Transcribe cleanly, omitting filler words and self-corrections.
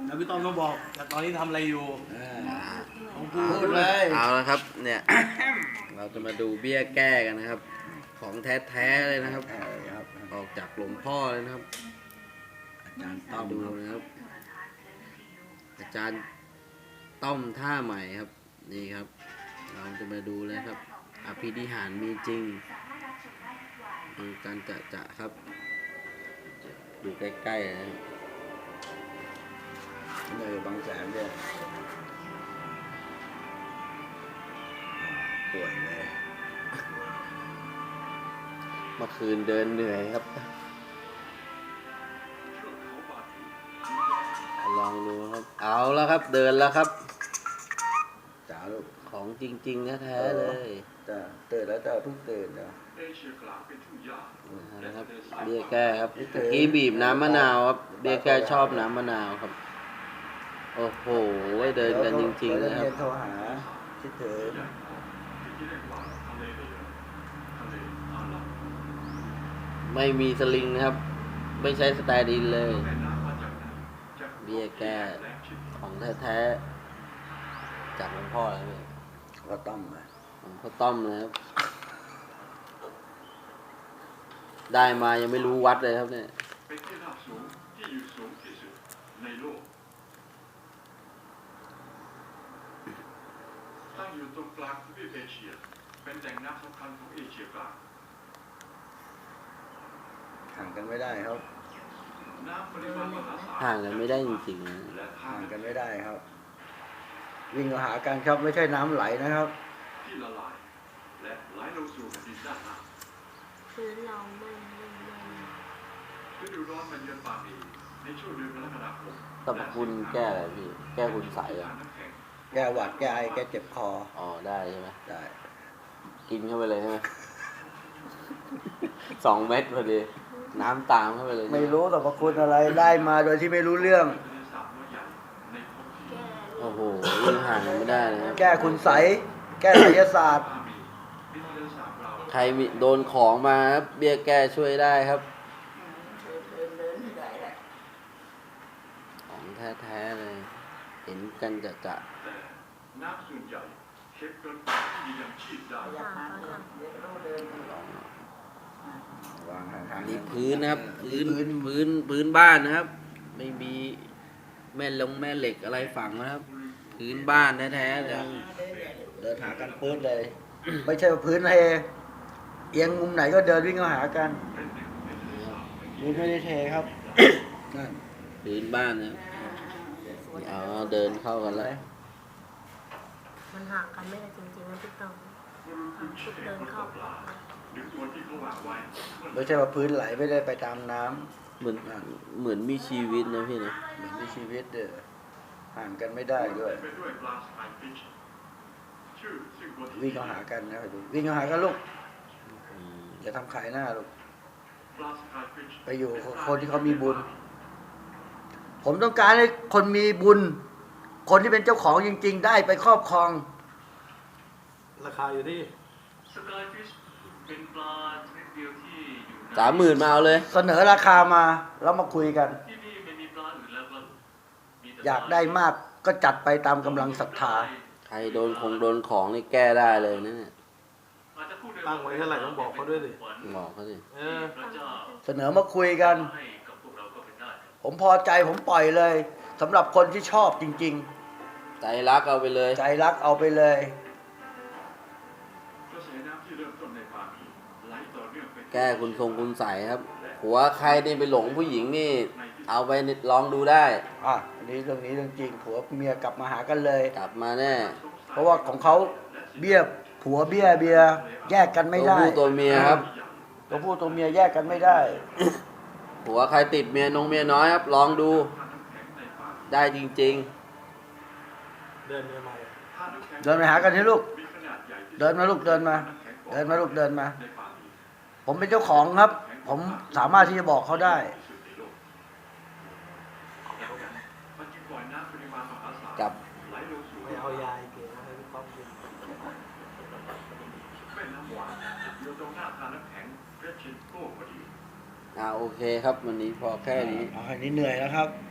แล้วพี่ต้อมต้องบอกแต่ตอนนี้ทำอะไรอยู่ต้องพูพูดดเลยเอาละครับเนี่ย เราจะมาดูเบี้ยแก้กันนะครับ ของแท้ๆเลยนะครับครับออกจากหลวงพ่อเลยนะครับอาจารย์ต้ต้ออมดูครับนะครับ อาจารย์ต้อมท่าใหม่ครับ นี่ครับ เราจะมาดูเลยครับอภินิหารมีจริงดูการจะครับ ดูใกล้ๆนะครับบางแสนเนี่ยป่วยเลยเมื่อคืนเดินเหนื่อยครับ ลองดูครับ เอาแล้วครับ เดินแล้วครับจ๋าลูกของจริงๆแท้ๆเลยจ้าตื่นแล้วจ้าเพิ่งตื่นนะนะครับเบี้ยแก้ครับเมื่อกี้บีบน้ำมะนาวครับเบี้ยแก้ชอบน้ำมะนาวครับ โอ้โหเดินกันจริงๆนะครับเดี๋ยวโทรหาคิดถึงไม่มีสลิงนะครับ ไม่ใช้สแตนด์อินเลย เบี้ยแก้ของแท้ๆจากหลวงพ่อเลยพี่ก็ต้มมาของพ่อต้อมนะครับ ได้มายังไม่รู้วัดเลยครับเนี่ยเป็นที่ราบสูงที่อยู่สูงที่สุดในโลกตั้งอยู่ตรงกลางทวีปเอเชียเป็นแหล่งน้ำสำคัญของเอเชียกลางห่างกันไม่ได้ครับน้ำปริมาณมหาศาลห่างกันไม่ได้จริงๆนะและทาห่างงกันไม่ได้ครับ วิ่งมาหากันครับไม่ใช่น้ำไหลนะครับที่ละลายและไหลลงสู่แผ่นดินด้านล่างพื้นเราไม่ฤดูร้อนมันเยือนปาปีในช่วงเดือนกรกฎาคมสรรพคุณแก้อะไรพี่ แก้คุณใสอ่ะน้ำแข็งแก้หวัดแก้ไอแก้เจ็บคออ๋อได้ใช่ไหมได้กินเข้าไปเลยใช่ไหม 2 เม็ดพอดี น้ำตามเข้าไปเลยไม่รู้สรรพคุณอะไรได้มาโดยที่ไม่รู้เรื่องทะเลสาบน้อยใหญ่ในท้องที่โอ้โหยิ่งห่างกันไม่ได้นะครับแก้คุณใสแก้ไสยศาสตร์ปาปีมีทะเลสาบเราใครมีโดนของมาครับเบี้ยแก้ช่วยได้ครับ ของแท้ๆเลย เห็นกันจะแต่น้ำส่วนใหญ่เค็มเกินกว่าที่จะยังชีพได้ค่ะค่ะวางห่างๆนี่พื้นนะครับ พื้นบ้านนะครับ ไม่มีแม่เหล็กอะไรฝังนะครับ พื้นบ้านแท้ๆเลยเดินหากันพื้นเลย ไม่ใช่ว่าพื้นเทเอียงมุมไหนก็เดินวิ่งเข้าหากันพื้นไม่ได้เทครับ นั่นพื้นบ้านนะครับเอาเดินเข้ากันแล้วมันห่างกันไม่ได้จริงๆนะพี่ต้องชุดเดินเข้าออกหรือตัวที่เขาวางไว้ไม่ใช่ว่าพื้นไหลไม่ได้ไปตามน้ำเหมือนมีชีวิตนะพี่นะเหมือนมีชีวิตเด้อห่างกันไม่ได้ด้วยไปด้วยปลาสกายฟิชชื่อซึ่งตัวที่วิ่งเข้าหากันนะดูวิ่งเข้าหากันลูกอืมอย่าทำขายหน้าลูกปลาสกายฟิชไปอยู่กับคนที่เขามีบุญ ผมต้องการให้คนมีบุญ คนที่เป็นเจ้าของจริง ๆ ได้ไปครอบครองราคาอยู่ที่สกายฟิชเป็นปลาชนิดเดียวที่อยู่ใน 30,000มาเอาเลยเสนอราคามาแล้วมาคุยกันที่นี่ไม่มีปลาอื่นแล้วครับมีแต่อยากได้มากก็จัดไปตามกำลังศรัทธาใครโดนของนี่แก้ได้เลยนะเนี่ยอาจจะพูดด้ตั้งไว้เท่าไหร่ต้องบอกเขาด้วยดิบอกเขาสิเออพระเจ้าเสนอมาคุยกันให้กับพวกเราก็เป็นได้ผมพอใจผมปล่อยเลยสำหรับคนที่ชอบจริงใจรักเอาไปเลยๆ ใจรักเอาไปเลยกระแสน้ำที่เริ่มต้นในปาปีไหลต่อเนื่องไปแก้คุณใสครับ หัวใครนี่ไปหลงผู้หญิงนี่ เอาไปลองดูได้อันนี้เรื่องนี้เรื่องจริงผัวเมียกลับมาหากันเลยกลับมาแน่เพราะว่าของเขาเบี้ยผัวเบี้ยเบียแยกกันไม่ตัวได้ผู้ตัวเมียครับตัวผู้ตัวเมียแยกกันไม่ได้หัวใครติดเมียน้อยครับ ลองดู ได้จริงเดินใหม่เดินไปหากันที่ลูกมีขนาดใหญ่ที่เดินมาลูกเดินมา เดินมาลูกเดินมาในปาปีผมเป็นเจ้าของครับ ผมสามารถที่จะบอกเขาได้ที่สุดในโลกมันจึงปล่อยน้ำปริมาณมหาศาลๆ กับไหลลงสู่ๆไม่เอายายเก๋มาให้พี่ป๊อปกินแม่น้ำหวานอยู่ตรงหน้าทานน้ำแข็งเรดชินโก้พอดีโอเคครับ วันนี้พอแค่นี้อันนี้เหนื่อยแล้วครับ